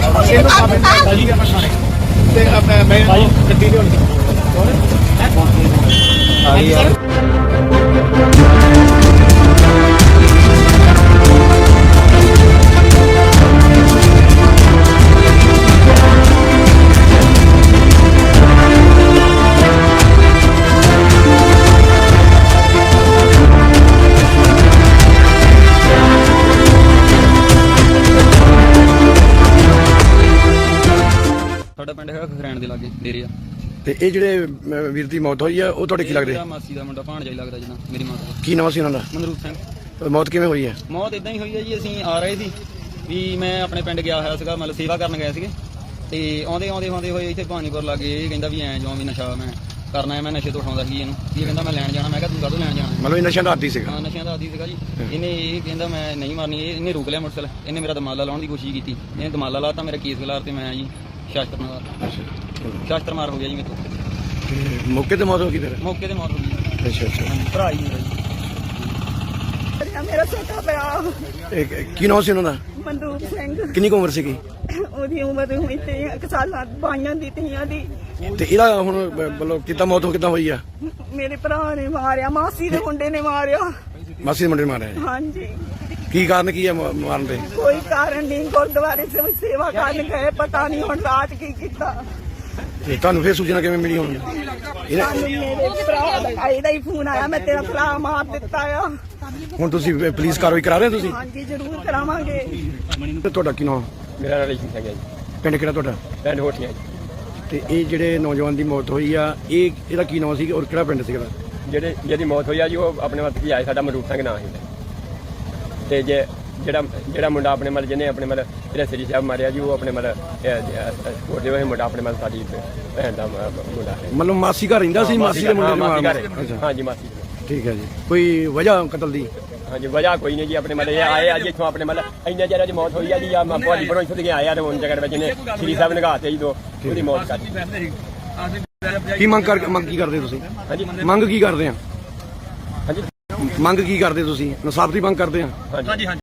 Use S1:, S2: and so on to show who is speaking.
S1: ਸਾਡਾ ਪਿੰਡ ਹੈਗਾ ਖਰੈਣ ਦੇ ਲਾਗੇ ਡੇਰੇ ਆ।
S2: ਤੇ ਇਹ ਜਿਹੜੇ ਵੀਰ ਦੀ ਮੌਤ ਹੋਈ ਆ ਉਹ ਤੁਹਾਡੇ ਕੀ ਲੱਗਦੇ?
S1: ਮਾਸੀ ਦਾ ਮੁੰਡਾ ਭਾਣਜਾ ਹੀ ਲੱਗਦਾ ਜਿੱਦਾਂ ਮੇਰੀ ਮਾਂ ਦਾ।
S2: ਕੀ ਨਾਮ ਸੀ ਉਹਨਾਂ ਦਾ?
S1: ਮਨਰੂਪ ਸਿੰਘ।
S2: ਮੌਤ ਕਿਵੇਂ ਹੋਈ ਹੈ?
S1: ਮੌਤ ਇਦਾਂ ਹੀ ਹੋਈ ਹੈ ਜੀ, ਅਸੀਂ ਆ ਰਹੇ ਸੀ ਵੀ ਮੈਂ ਆਪਣੇ ਪਿੰਡ ਗਿਆ ਹੋਇਆ ਸੀਗਾ, ਮਤਲਬ ਸੇਵਾ ਕਰਨ ਗਏ ਸੀਗੇ ਤੇ ਆਉਂਦੇ ਹੋਏ ਇੱਥੇ ਭਾਨੀਪੁਰ ਲਾਗੇ ਇਹ ਕਹਿੰਦਾ ਵੀ ਐਂ ਜੋ ਵੀ ਨਸ਼ਾ ਮੈਂ ਕਰਨਾ ਹੈ, ਮੈਂ ਨਸ਼ੇ ਤੋਂ ਉਠਾਉਂਦਾ ਸੀ ਇਹਨੂੰ। ਇਹ ਕਹਿੰਦਾ ਮੈਂ ਲੈਣ ਜਾਣਾ। ਮੈਂ ਕਿਹਾ ਤੂੰ ਕਾਹਤੋਂ ਲੈਣ ਜਾਣਾ?
S2: ਮਤਲਬ ਇਹ ਨਸ਼ਿਆਂ ਦਾ ਆਦੀ ਸੀਗਾ?
S1: ਹਾਂ ਨਸ਼ਿਆਂ ਦਾ ਆਦੀ ਸੀਗਾ ਜੀ। ਇਹਨੇ ਇਹ ਕਹਿੰਦਾ ਮੈਂ ਨਹੀਂ ਮਾਰਨੀ। ਇਹਨੇ ਰੋਕ ਲਿਆ ਮੋਟਰਸਾਈਕਲ, ਇਹਨੇ ਮੇਰਾ ਦਮਾਲਾ ਲਾਉਣ ਦੀ ਕੋਸ਼ਿਸ਼ ਕੀਤੀ, ਇਹਨੇ ਦਮਾਲਾ ਲਾਤਾ, ਮੇਰਾ ਕੇਸ ਖਿਲਾਰ ਤੇ ਮੈਂ ਜੀ ਸ਼ਾਸਤਰ ਮਾਰ ਹੋ ਗਿਆ ਜੀ ਮੇਰੇ ਤੋਂ।
S2: ਮੌਕੇ ਤੇ ਮੌਤ ਹੋ ਗਈ? ਫਿਰ
S1: ਮੌਕੇ ਤੇ ਮੌਤ ਹੋ ਗਈ।
S2: ਅੱਛਾ
S1: ਭਰਾ ਹੀ ਮੇਰਾ ਜੀ।
S3: ਮੇਰਾ ਛੋਟਾ ਭਰਾ।
S2: ਕੀ ਨਾਮ ਸੀ ਉਹਨਾਂ ਦਾ?
S3: ਮਨਰੂਪ ਸਿੰਘ।
S2: ਕਿੰਨੀ ਕੁ ਉਮਰ ਸੀਗੀ?
S3: ਉਹਦੀ ਉਮਰ ਹੋਈ 1 ਸਾਲਾਂ ਬਾਈਆਂ ਦੀ ਤੀਆਂ ਦੀ।
S2: ਤੇ ਇਹਦਾ ਹੁਣ ਮਤਲਬ ਕਿੱਦਾਂ ਮੌਤ ਕਿੱਦਾਂ ਹੋਈ ਆ?
S3: ਮੇਰੇ ਭਰਾ ਨੇ ਮਾਰਿਆ, ਮਾਸੀ ਦੇ ਮੁੰਡੇ ਨੇ ਮਾਰਿਆ।
S2: ਮਾਸੀ ਦੇ ਮੁੰਡੇ ਨੇ ਮਾਰਿਆ?
S3: ਹਾਂਜੀ।
S2: ਕੀ ਕਾਰਨ ਕੀ ਆ ਮਾਰਨ ਦੇ?
S3: ਕੋਈ ਕਾਰਨ ਨਹੀਂ, ਗੁਰਦੁਆਰੇ ਸੇਵਾ ਕਰਨ ਗਏ, ਪਤਾ ਨਹੀਂ ਹੁਣ ਰਾਤ ਕੀ ਕੀਤਾ।
S2: ਤੇ ਤੁਹਾਨੂੰ ਫਿਰ ਸੂਚਨਾ ਕਿਵੇਂ ਮਿਲੀ? ਹੁਣ
S3: ਸਾਨੂੰ ਮੇਰੇ ਭਰਾ ਦਾ ਇਹਦਾ ਹੀ ਫੋਨ ਆਇਆ, ਮੈਂ ਤੇਰਾ ਭਰਾ ਮਾਰ ਦਿੱਤਾ ਆ।
S2: ਹੁਣ ਤੁਸੀਂ ਪੁਲਿਸ ਕਾਰਵਾਈ ਕਰਾ ਰਹੇ ਹੋ? ਤੁਸੀਂ?
S3: ਹਾਂਜੀ ਜ਼ਰੂਰ ਕਰਾਵਾਂਗੇ।
S2: ਤੇ ਤੁਹਾਡਾ ਕੀ ਨਾਮ?
S4: ਮੇਰਾ ਨਾਮ ਰੇਸ਼ਮ ਸਿੰਘ ਹੈ ਜੀ।
S2: ਪਿੰਡ ਕਿਹੜਾ ਤੁਹਾਡਾ?
S4: ਪਿੰਡ ਹੋਠੀਆਂ ਜੀ।
S2: ਤੇ ਇਹ ਜਿਹੜੇ ਨੌਜਵਾਨ ਦੀ ਮੌਤ ਹੋਈ ਆ ਇਹਦਾ ਕੀ ਨਾਮ ਸੀ ਔਰ ਕਿਹੜਾ ਪਿੰਡ ਸੀਗਾ?
S4: ਜਿਹਦੀ ਮੌਤ ਹੋਈ ਆ ਜੀ ਉਹ ਆਪਣੇ ਵੱਲ ਕੀ ਆਏ, ਸਾਡਾ ਮਨਰੂਪ ਸਿੰਘ ਨਾਂ ਸੀ। ਤੇ ਜਿਹੜਾ ਮੁੰਡਾ ਆਪਣੇ ਮਤਲਬ ਜਿਹਨੇ ਆਪਣੇ ਮਤਲਬ ਜਿਹੜਾ ਸ੍ਰੀ ਸਾਹਿਬ ਮਾਰਿਆ ਜੀ, ਉਹ ਆਪਣੇ ਮਤਲਬ ਛੋਟੇ ਹੋਏ ਮੁੰਡਾ ਆਪਣੇ ਮਤਲਬ ਸਾਡੀ ਭੈਣ ਦਾ ਮੁੰਡਾ ਹੈ।
S2: ਮਤਲਬ ਮਾਸੀ ਘਰ ਰਹਿੰਦਾ ਸੀ? ਮਾਸੀ ਦੇ ਮੁੰਡੇ ਨੂੰ
S4: ਹਾਂ ਜੀ, ਮਾਸੀ।
S2: ਠੀਕ ਹੈ ਜੀ। ਕੋਈ ਵਜ੍ਹਾ ਕਤਲ ਦੀ?
S4: ਹਾਂਜੀ, ਵਜ੍ਹਾ ਕੋਈ ਨਹੀਂ ਜੀ। ਆਪਣੇ ਮਤਲਬ ਇਹ ਆਏ ਅੱਜ ਇੱਥੋਂ ਆਪਣੇ ਮਤਲਬ ਇੰਨੇ ਚਿਰ ਦੀ ਮੌਤ ਹੋਈ ਆ ਜੀ। ਆ ਭਾਜੀ ਬੜੋਂ ਇੱਥੋਂ ਦੇ ਆਏ ਆ ਤੇ ਹੁਣ ਜਗ੍ਹਾ ਵਿੱਚ ਇਹਨੇ ਸ੍ਰੀ ਸਾਹਿਬ ਨਿਗਾਹਤੇ ਜੀ, ਉਹਦੀ ਮੌਤ ਕਰ ਦਿੱਤੀ।
S2: ਕੀ ਮੰਗ ਕੀ ਕਰਦੇ ਤੁਸੀਂ?
S4: ਹਾਂਜੀ,
S2: ਮੰਗ ਕੀ ਕਰਦੇ ਆ?
S4: ਹਾਂਜੀ,
S2: ਮੰਗ ਕੀ ਕਰਦੇ ਤੁਸੀਂ? ਇਨਸਾਫ ਦੀ ਮੰਗ ਕਰਦੇ ਆ?
S4: ਹਾਂਜੀ।